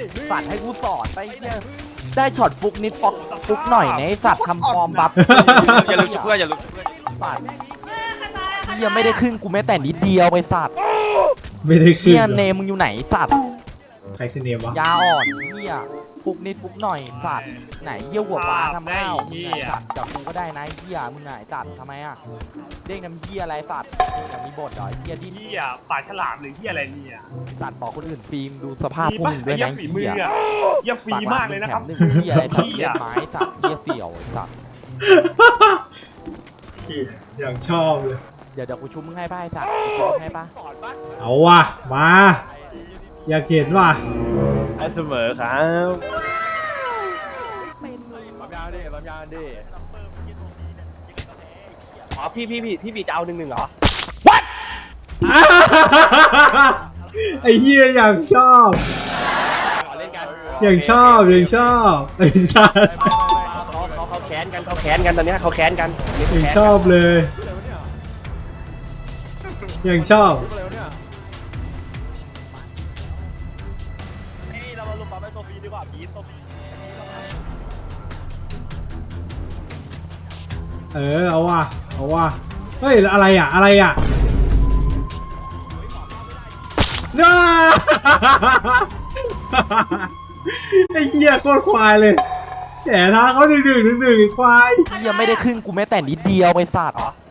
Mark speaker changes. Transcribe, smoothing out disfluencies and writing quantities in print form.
Speaker 1: สัตว์ให้กูสอนไปเนี่ยได้ช็อตฟุกนิดฟุกหน่อยนะไอ้สัตว์ทำฟอร์มบัฟ
Speaker 2: อย่าลืมชุบเพื่อนอย่าลืม
Speaker 1: สัตว์ยังไม่ได้ขึ้นกูแม้แต่นิดเดียวไปสัตว์
Speaker 3: ไม่ได้ขึ้น
Speaker 1: เนี่ย
Speaker 3: เหรอ
Speaker 1: เนมมึงอยู่ไหนสัตว์
Speaker 3: ใครคือเนมวะ
Speaker 1: ยาอ่อนเนี่ยฟุกนิดฟุกหน่อยสัตว์ไหนเยี่ยวหัวปลาทำข้าวมึงไหนสัตว์กับกูก็ได้นะเหี้ยมึงไหนสัตว์ทำไมอ่ะเด้งน้ำเหี้ยอะไรสัตว์ยังมีบทเหรอเหี้ยดิ้น
Speaker 4: เหี้ยปลาฉลามหรือเหี้ยอะไรเนี่ย
Speaker 1: สัตว์ต่อคนอื่นฟิล์มดูสภาพพวก
Speaker 4: ปะ
Speaker 1: มึงด้วย
Speaker 4: เหี้ย
Speaker 1: นะ
Speaker 4: ฝีมือ
Speaker 1: เหี้ย
Speaker 4: อ่ะเหี้ยฟรีมากเลยนะครับ
Speaker 1: ปากหลังมึงแถมหนึ่งเหี้ยอะไรสัตว์เลี้ยไม้สัตว์เหี้ยเสี่ยวสัตว์
Speaker 3: อย่างชอบเลย
Speaker 1: เดี๋ยวกูชุบมึงให้ป่ะไอ้สัตว์กูชุบมึงให้ป่ะ
Speaker 3: เอาว่ะมาอยากเห็นว่ะ
Speaker 4: ได้เสมอครับ
Speaker 5: ปั๊มยาดิปั๊มยาดิ
Speaker 4: อ๋อพี่จะเอา1-1เหรอ
Speaker 3: ไอ้เหี้ยอย่างชอบ
Speaker 4: เล่นกัน
Speaker 3: อย่างชอบอย่างชอบไอ้สัส
Speaker 4: เขาแค้นกันตอนนี้เขาแค้นกัน
Speaker 3: อย่างชอบเลยอย่างชอบ
Speaker 4: เรามาลุมปั๊มไอ้ตัวฟรีดีกว่าพีทตัวฟรี
Speaker 3: เอาว่ะเอาว่ะเฮ้ยอะไรอ่ะอะไรอ่ะน้า ไอ้เหี้ยโคตรควายเลยแหมท้าเขาดึงไอ้ควาย
Speaker 1: ยังไม่ได้ขึ้นกูแม้แต่นิดเดียวไปสัตว์